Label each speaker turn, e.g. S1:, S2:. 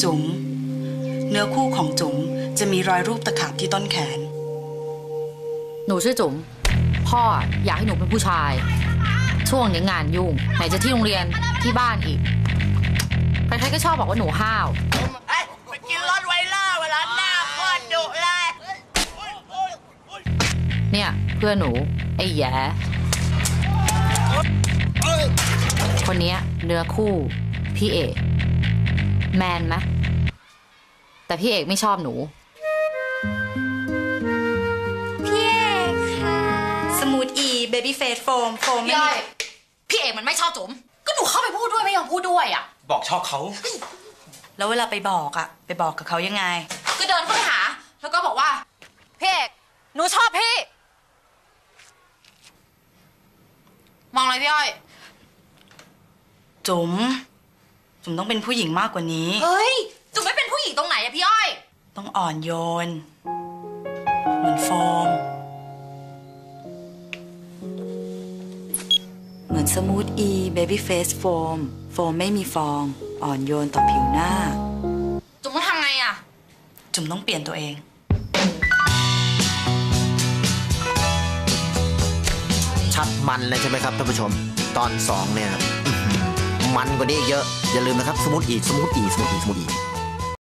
S1: จุ๋มเนื้อคู่ของจุ๋มจะมีรอยรูปตะขาบที่ต้นแขน
S2: หนูชื่อจุ๋มพ่ออยากให้หนูเป็นผู้ชายช่วงนี้งานยุ่งไหนจะที่โรงเรียนที่บ้านอีกใครๆก็ชอบบอกว่าหนูห้าว
S3: ไปกินรถไวล่าเวลาหน้าโคตรดุเลย
S2: เนี่ยเพื่อนหนูไอ้แย่คนนี้เนื้อคู่พี่เอกแมนไหมแต่พี่เอกไม่ชอบหนู
S4: พี่เอกค่ะ
S1: สมูทอีเบบี้เฟสโฟมไม่มี
S2: พี่เอกมันไม่ชอบจุ๋มก็หนูเข้าไปพูดด้วยไม่ยอมพูดด้วยอ่ะ
S5: บอกชอบเขา
S1: แล้วเวลาไปบอกกับเขายังไง
S2: ก็เดินเข้าไปหาแล้วก็บอกว่าพี่เอกหนูชอบพี่มองอะไรพี่อ้อย
S1: จุ๋มต้องเป็นผู้หญิงมากกว่านี้
S2: เฮ้ยจุ๋มไม่เป็นผู้หญิงตรงไหนอะพี่อ้อย
S1: ต้องอ่อนโยนเหมือนโฟมเหมือนสมูทอีเบบี้เฟสโฟมไม่มีฟองอ่อนโยนต่อผิวหน้า
S2: จุ๋มต้องทำไงอะ
S1: จุ๋มต้องเปลี่ยนตัวเอง
S5: ชัดมันเลยใช่ไหมครับท่านผู้ชมตอน2เนี่ยมันกว่านี้เยอะอย่าลืมนะครับสมูทอี